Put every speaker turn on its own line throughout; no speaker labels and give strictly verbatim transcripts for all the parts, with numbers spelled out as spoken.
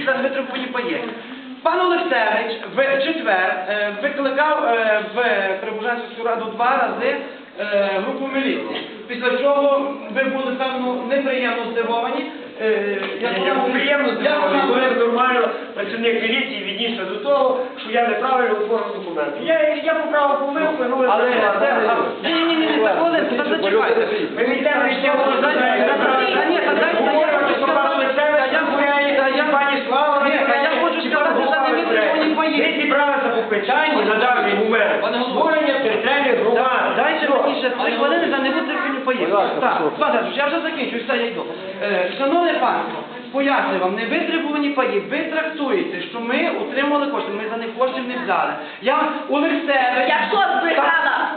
за невитребувані паї. Пан Олексевич в четвер викликав в Прибужанську раду два рази групу міліції. Після чого ви були, певно, неприємно здивовані.
Я був приємно здивований, коли нормально працівник міліції віднісся до того, що я неправильно оформив документи. Я поправив помилку, ну...
Але це... Ні-ні-ні, хвилинку, та зачекайте.
Ми не йдемо ще говорити. Ми зібралися по питанні на даний момент створення територіальних громад.
Дайте мені ще три хвилини за невитребувані паї. Так, Пане, я вже закінчу, все, я йду. Шановне панство, пояснюю вам, невитребувані паї, ви трактуєте, що ми отримали кошти, ми за них коштів не взяли. Я Олексевич...
Я що збрехала?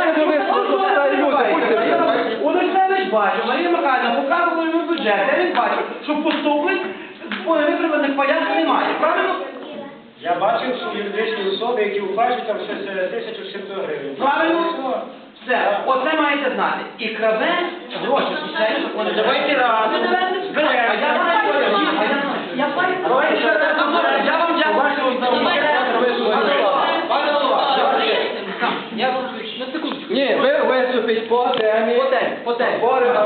Олексевич бачив, Марія Михайлівна показувала йому бюджет, де він бачив, що поступлень по невитребуваних паях немає, правильно?
Я бачив, що юридичні особи, які оплачують там щось тисячу сімсот гривень.
Правильно? Все, оце маєте знати. І крадець гроші соціальні закони.
Давайте разом.
А я знаю, я знаю. Я вам дякую за увагу. Пане голова, я вам на секундочку.
Ні, ви виступіть по темі.
По темі, по темі.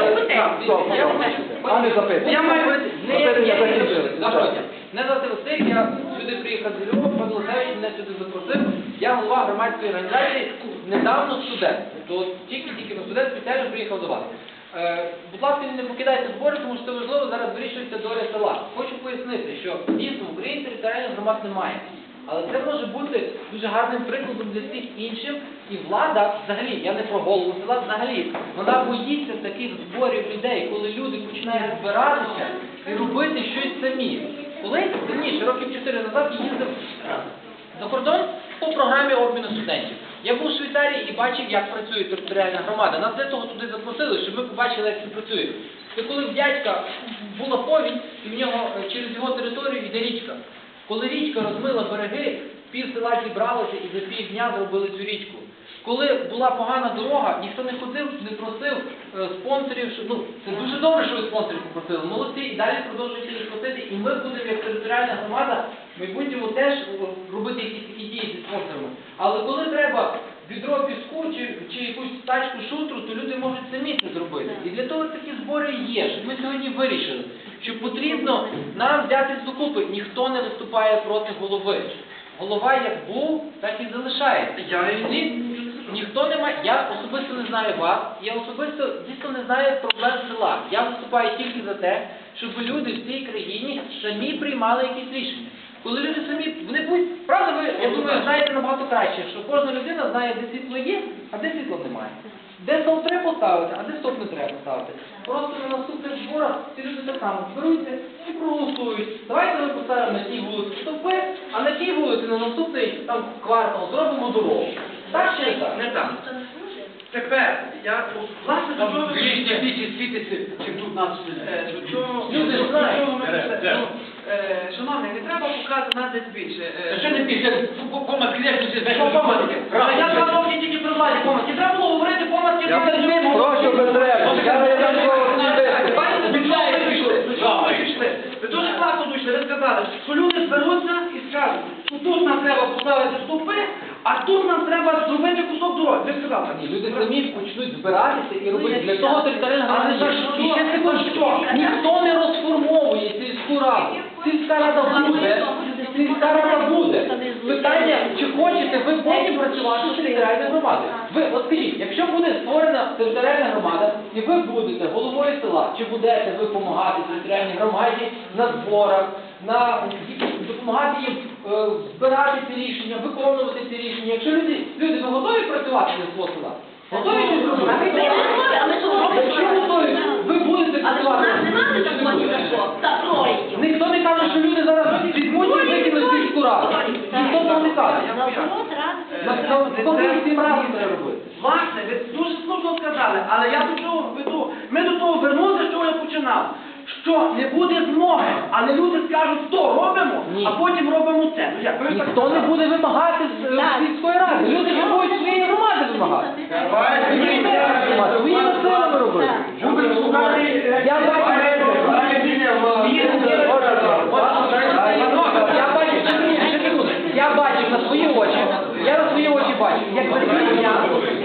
А не запитання.
Я маю...
Запитання закінчили.
Не за Василь, я сюди приїхав з Львова, пан Олексевич мене сюди запросив. Я голова громадської організації, недавно студент. То тільки-тільки на студент спеціально приїхав до вас. Е, будь ласка, не покидайте збори, тому що це важливо, зараз вирішується доля села. Хочу пояснити, що дійсно в Україні територіальних громад немає. Але це може бути дуже гарним прикладом для всіх інших. І влада, взагалі, я не про голову села, взагалі, вона боїться таких зборів людей, коли люди починають збиратися і робити щось самі. Колись, давніше, років чотири назад, я їздив за кордон по програмі обміну студентів. Я був у Швейцарії і бачив, як працює територіальна громада. Нас для того туди запросили, щоб ми побачили, як це працює. Це коли в дядька була повінь, і в нього через його територію йде річка. Коли річка розмила береги, пів села зібралося і за півдня зробили цю річку. Коли була погана дорога, ніхто не ходив, не просив е, спонсорів, що, ну, це дуже добре, що ви спонсорів попросили, молодці, і далі продовжуйте їх просити, і ми будемо, як територіальна громада, в майбутньому теж робити якісь такі дії зі спонсорами. Але коли треба відро піску чи, чи якусь тачку шутру, то люди можуть самі це зробити. І для того такі збори є, щоб ми сьогодні вирішили, що потрібно нам взятись докупи. Ніхто не виступає проти голови. Голова як був, так і залишається. Я ні, ніхто не має, я особисто не знаю вас, я особисто дійсно не знаю проблем села. Я виступаю тільки за те, щоб люди в цій країні самі приймали якісь рішення. Коли люди самі, вони будуть, правда, ви, я думаю, знаєте набагато краще, що кожна людина знає, де світло є, а де світло немає. Де стовп треба поставити, а де стовп не треба поставити. Просто на наступних зборах ці люди так само зберуться і проголосують. Давайте ми поставимо на тій вулиці стовпи, а на тій вулиці на наступний там квартал зробимо дорогу. Так чи не так? Не так. Тепер, я, власне, до чого...
Більше більше світиться, чим тут нас
Люди ж знають. Шановний, не треба показувати нас десь більше.
Що не більше? Помадки, як тут
Що помадки? Я два роки тільки при владі помадки. Треба було говорити помадки.
Прошу, без треба.
Ви дуже класно дійшли, ви сказали, що люди зберуться і скажуть, що тут нам треба поставити стовпи, а тут нам треба зробити кусок дороги. Ви сказали.
Ні, люди самі почнуть збиратися і робити. Для того територіальна громада є. І ще секундочку, ніхто не розформовує сільську раду. Сільська рада буде, сільська рада буде. Питання, чи хочете ви потім працювати з територіальною громадою. Ви, от скажіть, якщо буде створена територіальна громада, і ви будете головою села, чи будете ви допомагати територіальній громаді на зборах, на допомагати їм е, збирати ці рішення, виконувати ці рішення. Якщо люди, люди ви готові працювати для свого села? Готові щось робити?
А ми готові, а ми що робимо?
Якщо готові, ви будете
Але ж у
працювати.
нас немає законів за що? За проїздів.
Ніхто не каже, що люди зараз візьмуть і викинуть сільську раду. Ніхто цього не каже. Навпаки, всім разом треба робити.
Власне, ви дуже слушно сказали, але я до чого веду. Ми до того вернулися, з чого я починав. Що не буде змоги, але люди скажуть, то робимо,
Ні.
а потім робимо це. Ну, як? Ви ж так
Ніхто не
сказали.
буде вимагати з е, сільської ради. Люди ж будуть своєї громади вимагати. Своїми силами робити. Я бачу. бачив на свої очі, я на свої очі бачив, як за три дня